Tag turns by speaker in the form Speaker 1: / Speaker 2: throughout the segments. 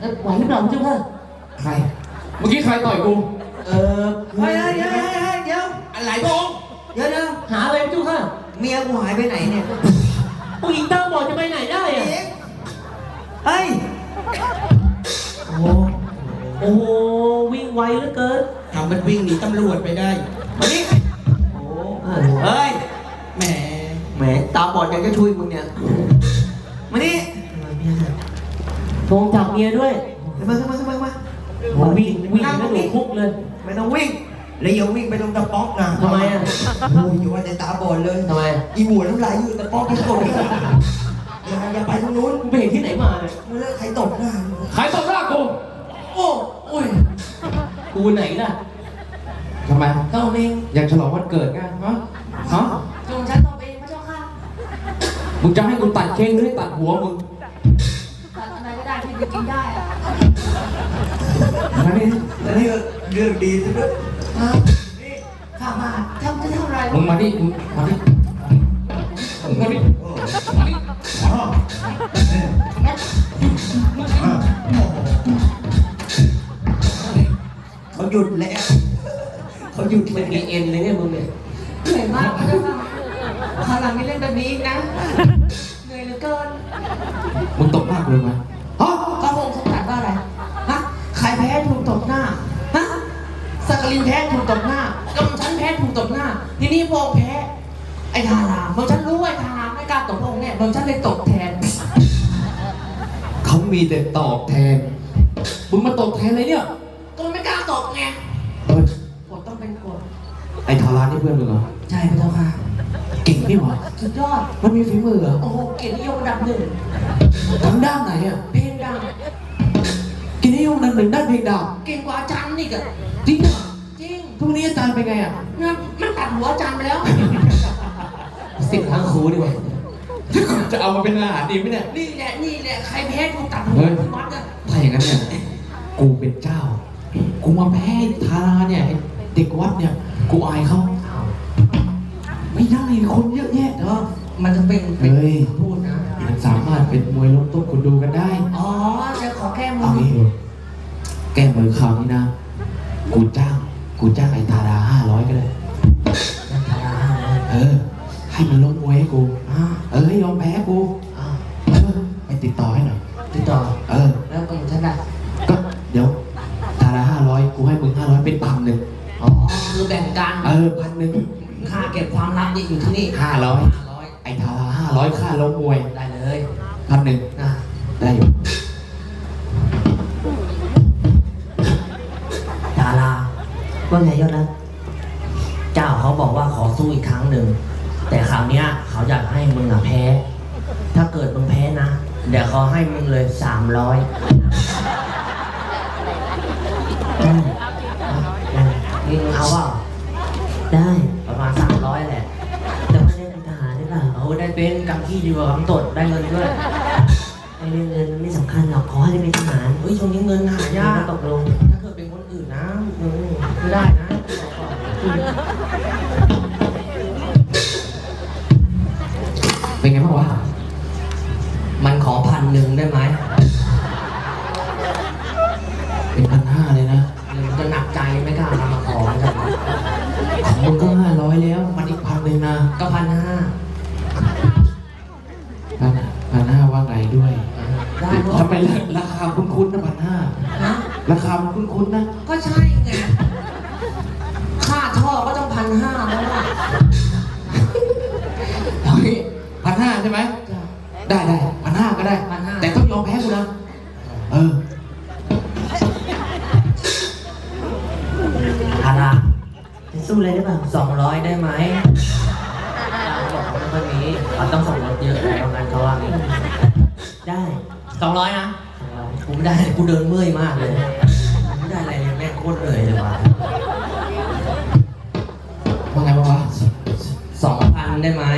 Speaker 1: ไหวหรือเปล่าเจ้าค่ะ
Speaker 2: ใครเมื่อกี้ใครต่อยกู
Speaker 3: เฮ้ยเดี๋ยว
Speaker 2: อะไรบง
Speaker 3: เดี๋ยว
Speaker 1: หาอะไรเจ้าค่ะ
Speaker 3: เมียกูหายไปไหนเนี่ย
Speaker 1: ผู้หญิงตาบอดจะไปไหนได้อะ
Speaker 3: เฮ้ย
Speaker 1: โอ้โหวิ่งไวเหลือเกิน
Speaker 2: ทำมันวิ่งหนีตำรวจไปได้มาดิ
Speaker 3: เฮ้ย
Speaker 2: แหม
Speaker 3: ตาบอดยังจะช่วยมึงเนี่ยมาดิ
Speaker 1: โทงจับเมียด้วย
Speaker 3: มา
Speaker 1: วิ่งแล้วหนูคุกเลย
Speaker 3: ไม่ต้องวิ่งแล้วอย่าวิ่งไปตรงตะป๊อกนะ
Speaker 1: ทำไมอ่ะ
Speaker 3: โอ้ยอยู่ว่าแต่ตาบอดเลย
Speaker 1: ทำไม
Speaker 3: อีหัวน้ำลายอยู่ตะป๊อกที่โกรธอย่าไปตรงนู้น
Speaker 1: กูไปเห็นที่ไหนมาเนี่ย
Speaker 3: ใครตบหน้า
Speaker 2: ใครตบหน้ากู
Speaker 1: โอ้ยกูไหนล่ะ
Speaker 2: ทำไม
Speaker 1: ก็เอง
Speaker 2: อยากฉลองวันเกิดไงฮะ
Speaker 1: จงฉันต่อไปพระเจ้าค่ะ
Speaker 2: มึงจะให้กูตัดเค้กหรือตัดหัวมึง
Speaker 1: ตัดอะไรก็ได้ที่จะกินได้อะ
Speaker 3: อันนี้เรื่องดีสุดเลย
Speaker 1: ข้ามาจะทำอะไร
Speaker 2: มึงมาดิมาดิ
Speaker 3: เขาหยุดแล้วเขาหยุด
Speaker 1: มันมีเอ็นเลยเนี่ยมึงเนี่ยเหนื่อยมากพระเจ้าค่ะคราวหลังไม่เล่นแบบนี้อีกนะเหนื่อยเหลือเกิน
Speaker 2: มึงตบหน้ากูเลยไหม
Speaker 1: ฮะพระองค์ทรงตรัสว่าอะไรฮะใครแพ้ถูกตบหน้าฮะสักกลินแพ้ถูกตบหน้ากำฉันแพ้ถูกตบหน้าทีนี้พระองค์แพ้ไอ้ทาราเมื่อฉันรู้ว่าไอ้ทาราไม่กล้าตบพระองค์เนี่ยเมื่อฉันเลยตบแทน
Speaker 2: เขามีแต่ตอบแทนมึงมาตอบแทนอะไรเนี่ย
Speaker 1: ก็ไม่กล้าตบไงกดต้องเป็นกด
Speaker 2: ไอ้ทารานี่เพื่อนมึงเหรอ
Speaker 1: ใช่พระเจ้าค่ะ
Speaker 2: เก่งนี่หว่า
Speaker 1: สุดยอด
Speaker 2: มันมีฝีมือเหรอ
Speaker 1: โอ้โหเกียรตินิยมอันดับ1
Speaker 2: ทางด้านไหนอ่ะ
Speaker 1: เพลงดัง
Speaker 2: เกียรตินิยมอันดับ1ด้านเพลงดัง
Speaker 1: เก่งกว่าอาจารย์นี่กะ
Speaker 2: จริงเหรอ
Speaker 1: จริง
Speaker 2: ทุกนี้อาจารย์เป็นไงอ่ะ
Speaker 1: มันตัดหัวอาจารย์ไปแล้วสิบทั้งครูดีกว่า
Speaker 2: จะเอามาเป็นอาหารดีไหมเนี่ย
Speaker 1: นี่แหละใครแพ้ถูกตัดหัวที่วัดอ่ะ
Speaker 2: ถ้าอย่างนั้นเนี่ยกูเป็นเจ้ากูมาแพ้ทาราเนี่ยเด็กวัดเนี่ยกูอายเขาไม่ได้คนเยอะแยะ
Speaker 1: เนาะมันจะเป็นพูดนะ
Speaker 2: มันสามารถเป็นมวยล้มต้มคนดูกันได้
Speaker 1: อ๋อจะขอแก้มือ
Speaker 2: แก้มือคราวนี้นะกูจ้างไอ้ทารา500ก็ได้ให้มันล้มมวยให้กูให้ยอมแพ้กูไปติดต่อให้หน่อย
Speaker 1: ติดต่อแล้วก็ฉันได้
Speaker 2: ก็เดี๋ยวทารา500กูให้มึง500เป็น1,000
Speaker 1: อ๋อคือแบ่งกัน
Speaker 2: 1,000
Speaker 1: ค่าเก็บความลับนี่อยู่ที่นี่
Speaker 2: 500ไอ้ทารา500ค่าล้มมวย
Speaker 1: ได้เลย
Speaker 2: 1,000ได้อยู่
Speaker 1: ทาราว่าไงยอดนะเจ้าเขาบอกว่าขอสู้อีกครั้งหนึ่งแต่คราวนี้เขาอยากให้มึงแพ้ถ้าเกิดมึงแพ้นะเดี๋ยวเขาให้มึงเลย300มึงเอาว่าได้ประมาณ300แหละแต่ไม่ได้เป็นทหารได้ป่ะได้เป็นกำขี้ดีกว่ากำตดได้เงินด้วยไอ้เรื่องเงินไม่สำคัญหรอกขอให้ได้เป็นทหารช่วงนี้เงินหายากตกลงถ้าเกิดเป็นคนอื่นนะไม่ได้นะ
Speaker 2: เป็นไงบ้างวะ
Speaker 1: มันขอ1,000ได้ไหม
Speaker 2: เป็น1,500เลยนะ
Speaker 1: จะหนักใจไม่กล้ามาขอกัน
Speaker 2: ของมึงก็500แล้วมันอีก1,000นะ
Speaker 1: ก็1,500
Speaker 2: ว่าไงด้วยทำไมราคาคุ้นๆนะ1,500ราคามันคุ้นๆนะ
Speaker 1: ก็ใช่ไงค่าท่อก็ต้อง1,500แล้วอ่ะ
Speaker 2: 1,500ใช่ไหมได้1,500ก็ได้แต่ต้องยอมแพ้กูนะ
Speaker 1: ทาราจะสู้เลยได้ป่ะ200ได้ไหมบอกเขาไม่ค่อยมีเขาต้องส่งรถเยอะประมาณเขาว่าได้200นะกูไม่ได้กูเดินเมื่อยมากเลยไม่ได้อะไรเลยแม่โคตรเหนื่อยเลยว่ะ
Speaker 2: ว่าไงบ้างวะ
Speaker 1: 2,000ได้ไหม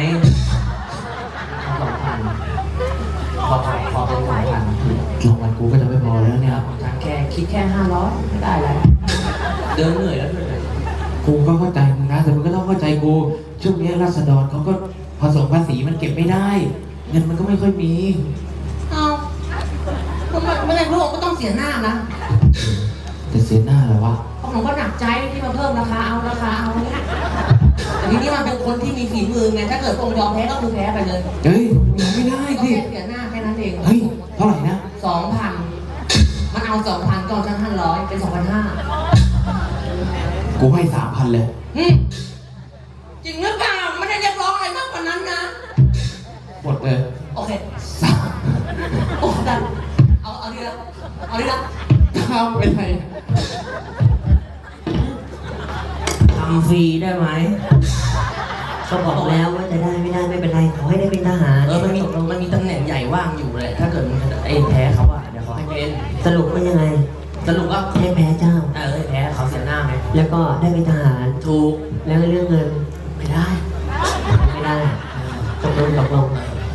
Speaker 1: 2,000ขอเป็น2,000
Speaker 2: รางวัลกูก็จะไม่พอแล้วเนี่ย
Speaker 1: ฉันคิดแค่500ไม่ได้อะไรเดินเหนื่อยแล้วด้วย
Speaker 2: กูก็เข้าใจมึงนะแต่มึงก็ต้องเข้าใจกูช่วงนี้ราษฎรเขาก็ผสมภาษีมันเก็บไม่ได้เงินมันก็ไม่ค่อยมี
Speaker 1: เอาไม่ได้
Speaker 4: พระองค์ก็ต้องเสียหน้านะ
Speaker 2: จะเสียหน้าเหรอวะ
Speaker 4: เพราะผมก็หนักใจที่มาเพิ่มราคาเอาเนี่ยแต่ทีนี้มันเป็นคนที่มีฝีมือไงถ้าเกิดพระองค์ยอมแพ้ก็คือแพ้ไปเลย
Speaker 2: เฮ้ยไม่ได้
Speaker 4: ก็
Speaker 2: สิ
Speaker 4: แค่เสียหน้าแค่นั้นเอง
Speaker 2: เฮ้ยเท่าไหร่นะ
Speaker 4: 2,000มันเอา 2,000 ก็เอา1,500 เป็น 2,500
Speaker 2: กูให้3,000เลย
Speaker 4: จริงหรือเปล่าไม่ได้เรียกร้องอะไรมากกว่านั้นนะ
Speaker 2: หมดเลย
Speaker 4: โอเคโอ้ดันเอาดีละ
Speaker 2: ทำเป็นไร
Speaker 1: ทำฟรีได้ไหมก็บอกแล้วว่าจะได้ไม่ได้ไม่เป็นไรขอให้ได้เป็นทหาร
Speaker 4: มันมีตำแหน่งใหญ่ว่างอยู่เลยถ้าเกิดมันไอ้แพ้เขาอะเดี๋ยวเขาให้เป็น
Speaker 1: สรุปว่ายังไง
Speaker 4: สรุปว่า
Speaker 1: ให้แพ้เจ้า
Speaker 4: แพ้เขาเสียหน้าไหม
Speaker 1: แล้วก็ได้เป็นทหาร
Speaker 4: ถูก
Speaker 1: แล้วเรื่องเงิน
Speaker 4: ไม่ได้
Speaker 1: ไม่ได้ตกลง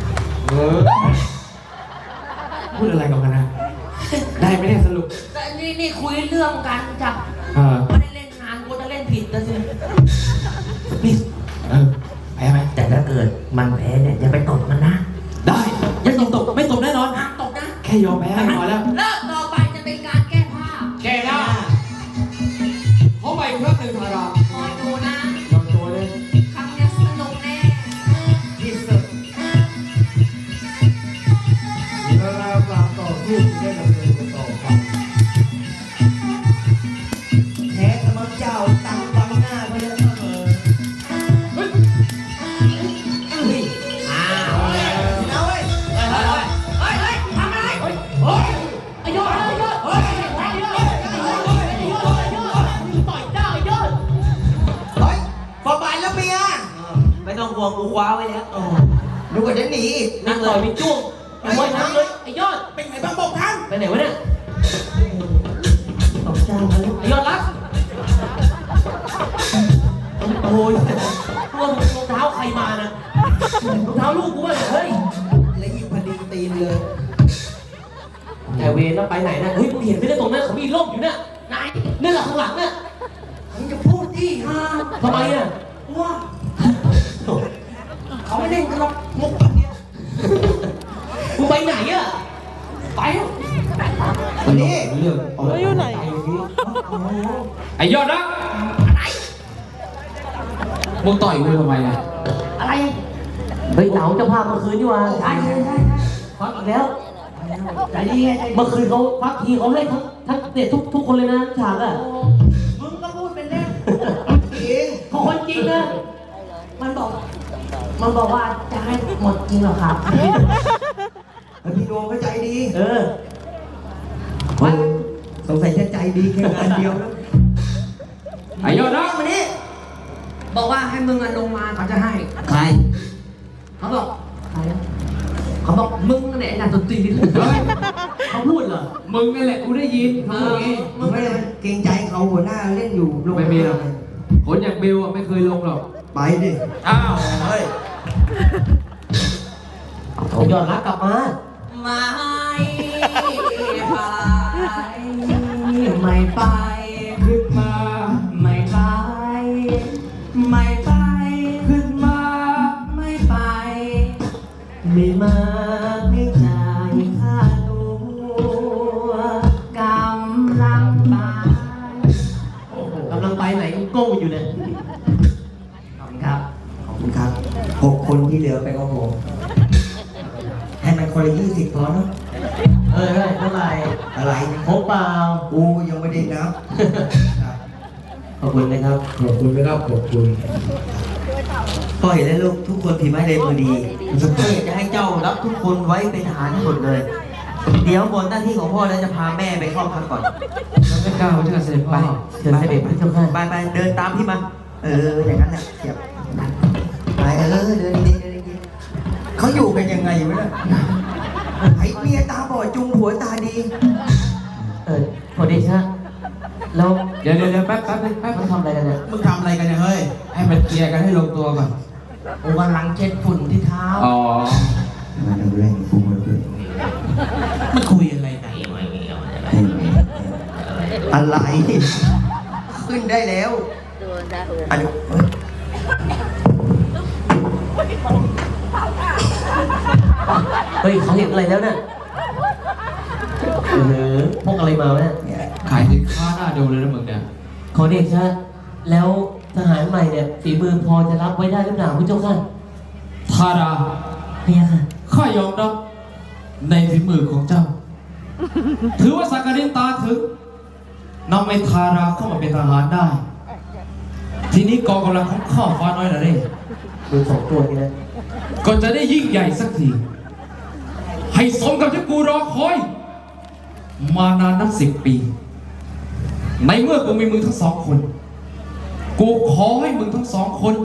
Speaker 2: พูดอะไรกันนะ ได้ไม่ได้สรุป
Speaker 4: แต่นี่คุยเรื่องการจับ ไม่ได้เล่นงานกูจะเล่นผิดนะสิ
Speaker 1: นี่
Speaker 2: แพ้ไหม
Speaker 1: แต่ถ้าเกิดมันแพ้เนี่ยอย่าไปตบมันนะ
Speaker 2: ได้ยังตกไม่ตกแน่นอน
Speaker 4: ห้ามตกนะ
Speaker 2: แค่ยอมแพ้พอแล้ว
Speaker 4: เริ่มต่อไปจะเป็นการแก้ผ้า
Speaker 2: แก้ได้เขาไปเครื่องหนึ่งพารา
Speaker 4: คอยดูนะ
Speaker 2: ลองตัวเลย
Speaker 4: ครั้งนี้สนุกแน่
Speaker 2: ที่สุด
Speaker 3: เวลาการต่อสู้ได้ดำเนินต่อไปแพ้สมัครเจ้าตั้งบังหน้าไปเลยเสมอ
Speaker 4: อ้าว
Speaker 3: เอาเว้ย
Speaker 4: เฮ้ยทำอะไรไอ้ยอดต่อยเจ้าไอ้ยอด
Speaker 3: เฮ้ยฟอร์บายแล้วเมีย
Speaker 1: ไม่ต้องห่วงกูคว้าไว้แล้ว
Speaker 3: ดูว่าจะหนีอีก
Speaker 4: นั่งต่อยไปจ้วงไอ้ยอดนั่งเลยไอ้ยอด
Speaker 3: เป็นไงบ้างบอกท่าน
Speaker 4: ไปไหนวะเนี่ย
Speaker 1: ตบเจ้าเขาแล้ว
Speaker 4: ไอ้ยอดรักโอ้ยรองเท้าใครมานะรองเท้าลูกกูวะเฮ้ย
Speaker 3: และยิงพอดีตีนเลย
Speaker 4: แต่เวรแล้วไปไหนนะเฮ้ยมึงเห็นไม่ได้ตรงนั้นเขามีร่มอยู่เนี่ยไหนนี่แหละข้างหลังเนี่ย
Speaker 3: มึงจะพูดที่ฮะ
Speaker 4: ทำไมอ่ะ
Speaker 3: ว่าเขาไม่เล่นกันหรอกมุกแบบเนี้ย
Speaker 4: มึงไปไหนอ่ะไปเถอะ
Speaker 3: วันนี้
Speaker 2: เรื่อง
Speaker 3: อยู่ไหน
Speaker 2: ไอ้ยอดนะมึงต่อยกูทำไมอ่ะ
Speaker 4: อะไร
Speaker 1: เฮ้ยเหนาเจ้าภาพเมื่อคืนนี่หว่า
Speaker 4: ใช่ฟังอีกแล้ว
Speaker 3: ใจดีไงใจดี
Speaker 1: เมื่อคืนเขาพักทีเขาให้ทั้งเด็กทุกคนเลยนะฉากอ่ะ
Speaker 3: มึงก็พูดเป็นเล่นจริง
Speaker 1: เขาคนจริงนะ
Speaker 4: มันบอกว่าจะให้หมดจริงเหรอครับ
Speaker 3: แล้วพี่ดวงก็ใจดี
Speaker 1: เออ
Speaker 3: มันสงสัยจะใจดีแค่งานเดียวนะ
Speaker 2: ไอ้ยอดนะ
Speaker 4: วันนี้บอกว่าให้มึงลงมาเขาจะให้
Speaker 3: ใคร
Speaker 4: เขาบอกใครนะเขาบอกมึงเนี่ยไอ้นายตนตีนี่
Speaker 2: เฮ้ย
Speaker 4: เขาพูดเหรอ
Speaker 2: มึงนั่นแหละกูได้ยินเขาพูดอย่างงี้
Speaker 3: มึงไม่ได้เกรงใจเขาหัวหน้าเล่นอยู่ลง
Speaker 2: ไม่มีหรอก คนอย่างเบลอะไม่เคยลงหรอก
Speaker 3: ไปดิ
Speaker 2: อ้าว
Speaker 3: เฮ้ย
Speaker 1: ผมยอดรักกลับมา
Speaker 4: ไม่ไปไม่ไป
Speaker 2: ขึ้นมา
Speaker 4: ไม่ไปไม่ไป
Speaker 2: ขึ้นมา
Speaker 4: ไม่ไป
Speaker 1: ไม่มาไม่จ่ายค่าตัว
Speaker 4: กำลังไป
Speaker 1: กำลังไปไหนโก้อยู่เนี่ย
Speaker 4: ขอบคุณครับ
Speaker 3: ขอบคุณครับ6 คนที่เหลือไปกับผมให้มันคนละ20พอเนาะ
Speaker 1: เท่าไหร่
Speaker 3: อะไรนะ
Speaker 1: พกเปล่า
Speaker 3: กูยังไม่ได้นับครับ
Speaker 1: ขอบคุณนะครับ
Speaker 2: ขอบคุณนะครับขอบคุณ
Speaker 3: ปล่อยแล้วลูกทุกคนถือไม้เลยมือดี
Speaker 5: พ่ออยากจะให้เจ้ารับทุกคนไว้เป็นทหารทั้งหมดเลย เดี๋ยวบนหน้าที่ของพ่อแล้วจะพาแม่ไปเข้าพักก่อน
Speaker 2: แล้วไม่กล้าเชิญเสด็จ
Speaker 5: ไป
Speaker 2: พ่อ
Speaker 1: เชิญเสด็จพระเจ้าค่ะ
Speaker 5: ไปเดินตามพี่มา อย่างนั้นแหละเสียบไปเดินดีๆ
Speaker 3: เขาอยู่กันยังไงวะเนี่ยไอ้เมียตาบอดจุงผัวตาดี
Speaker 1: ขอเดชะแล้ว
Speaker 2: เดี๋ยวแป๊บนึงแป๊บ
Speaker 1: มันทำอะไรกันเนี่ย
Speaker 2: มึงทำอะไรกันเนี่ยเฮ้ย ให้มันเคลียร์กันให้ลงตัวก่อน
Speaker 4: กูกำลังเช็ดฝุ่นที่เท้า
Speaker 2: อ๋อ
Speaker 3: มาดูเรื่องกูมาดู
Speaker 2: มันคุยอะไรกัน
Speaker 3: อะไร ขึ้นได้แล้วอันนี้
Speaker 1: เฮ้ยเขาเห็นอะไรแล้วเนี่ย
Speaker 5: พวกอะไรมาวะเนี่ย
Speaker 2: ขายสินค้าหน้าดูเลยนะมึงเนี่ย
Speaker 5: ขอเดชะแล้วทหารใหม่เนี่ยฝีมือพอจะรับไว้ได้หรือเปล่าพระเจ้าค่ะ
Speaker 2: ทารา
Speaker 5: พะยะค่ะ
Speaker 2: ข้ายอมรับในฝีมือของเจ้า ถือว่าสักการินตาถึงนำไอ้ทาราเข้ามาเป็นทหารได้ ทีนี้กองกำลังของข้าฟ้าน้อยนะเร่
Speaker 5: ดูสองตัวนี้นะ
Speaker 2: ก็จะได้ยิ่งใหญ่สักที ให้สมกับที่กูรอคอย มานานนับ10 ปี ในเมื่อกูมีมึงทั้งสองคน กูขอให้มึงทั้งสองคน